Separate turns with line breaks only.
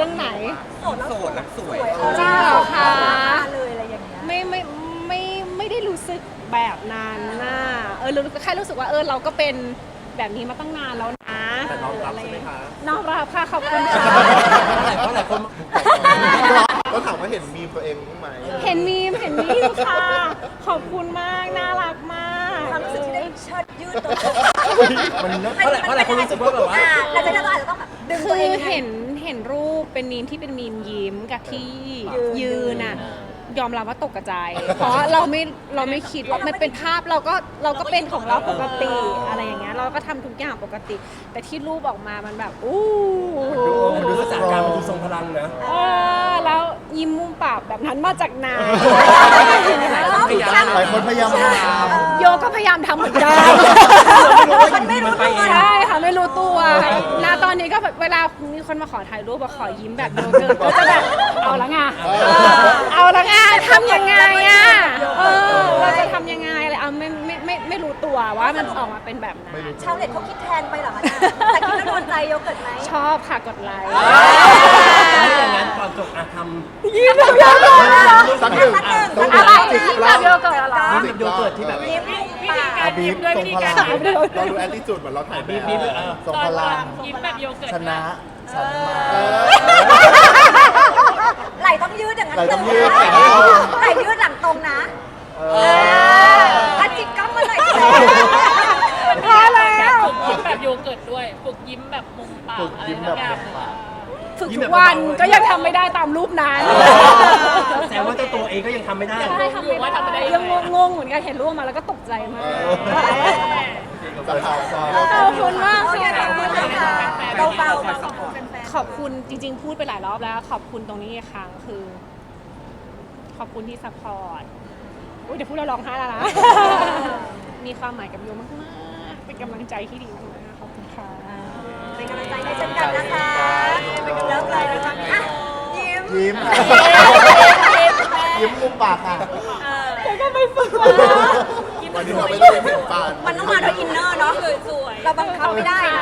รื่องไหน
โสดแล้วสวย
จริงเหรอคะ
เลยอะไรอย่างเงี้ย
ไม่ได้รู้สึกแบบนั้นน่ะแค่รู้สึกว่าเราก็เป็นแบบนี้มาตั้งนานแล้วนะ
แต่น้องรับใช่ไหมคะ
น้องรับค่ะขอบคุณค่ะ
เพราะหลายคน
ก็ถามว่าเห็นมีมตัวเองบ้างไหม
เห็นมีมค่ะขอบคุณมากน่ารักมาก
ความรู้สึกที่ได้เชิดยืดตัว
มันเพราะหลายคนรู้สึกว่าแบบว่า
เราจะอาจจะต้องแบบดึงตัวเอง
เห็นรูปเป็นมีมที่เป็นมีมยิ้มกับที่ยืนน่ะยอมรับว่าตกใจเพราะเราไม่คิดว่ามันเป็นภาพเราก็เป็นของเราปกติอะไรอย่างเงี้ยเราก็ทำทุกอย่างปกติแต่ที่รูปออกมามันแบบ
ดูสถานการณ์มันดูทรงพลังนะ
แล้วยิ้มมุมปากแบบนั้นมาจากไหน
หลายคนพยายาม
โยก็พยายามทำเหมือนกัน
มันไม่รู้ตัว
ใช่ค่ะไม่รู้ตัวณตอนนี้ก็เวลามีคนมาขอถ่ายรูปขอยิ้มแบบโยเกิร์ตก็จะแบบเอาละไงทำยังไงเราจะทำยังไงอะไรไม่รู้ตัวว่ามันออกมาเป็นแบบนั้น
ชาวเน็ตเขาคิดแทนไปเหรอคะแต่คิดแล้วโดนใจโยเกิร์ตไหม
ชอบค่ะกดไลค์
อย่างนั้นก่อนจบทำ
ยิ้มแบบโยเกิร์ต
สักหนึ่ง
อะไรยิ้มแบบโยเกิร์ตอะไร
ยิ้มแบบโยเกิร์ตที่แบบ
ยิ้ม
บีบตรงพลังเราดูแอตติจูดเหมือนเราถ่ายบีบตรงพลัง
ยิ้มแบบโยเกิร์ต
ชนะฉันมา
ไหลต้องยืดอย่างนั้นไหลยืดหลังตรงนะจิกก้มมาหน่อย
พอแล้ว
ฝึกยิ้มแบบโยเกิร์ตด้วยฝึกยิ้มแบบมุมปากอะไรทุกอย่าง
ฝึกทุกวันก็ยังทำไม่ได้ตามรูปนั้น
แต่ว่าเจ้าตัวเองก็ยังทำไม่ได้
ทำไม่ได้ยังงงเหมือนกันเห็นรูปมาแล้วก็ตกใจมากขอบคุณมากค่ะขอบคุณจริงๆพูดไปหลายรอบแล้วขอบคุณตรงนี้อีกครั้งคือขอบคุณที่ซัพพอร์ตเดี๋ยวพูดแล้วร้องไห้แล้วนะมีความหมายกับโยมากๆเป็นกำลังใจที่ดีมากๆขอบคุณค่ะ
เป็นกำลังใจให้เช่นกันนะคะเป็นกำลังใจนะคะ
ยิ้มมุมปากค่ะ
แล้วก็ไม่ฝึก
วันนี้เราไม่ได้เป็นปาก
มันต้องมาด้วยอินเนอร์เนาะเราบังคับไม่ได้นะ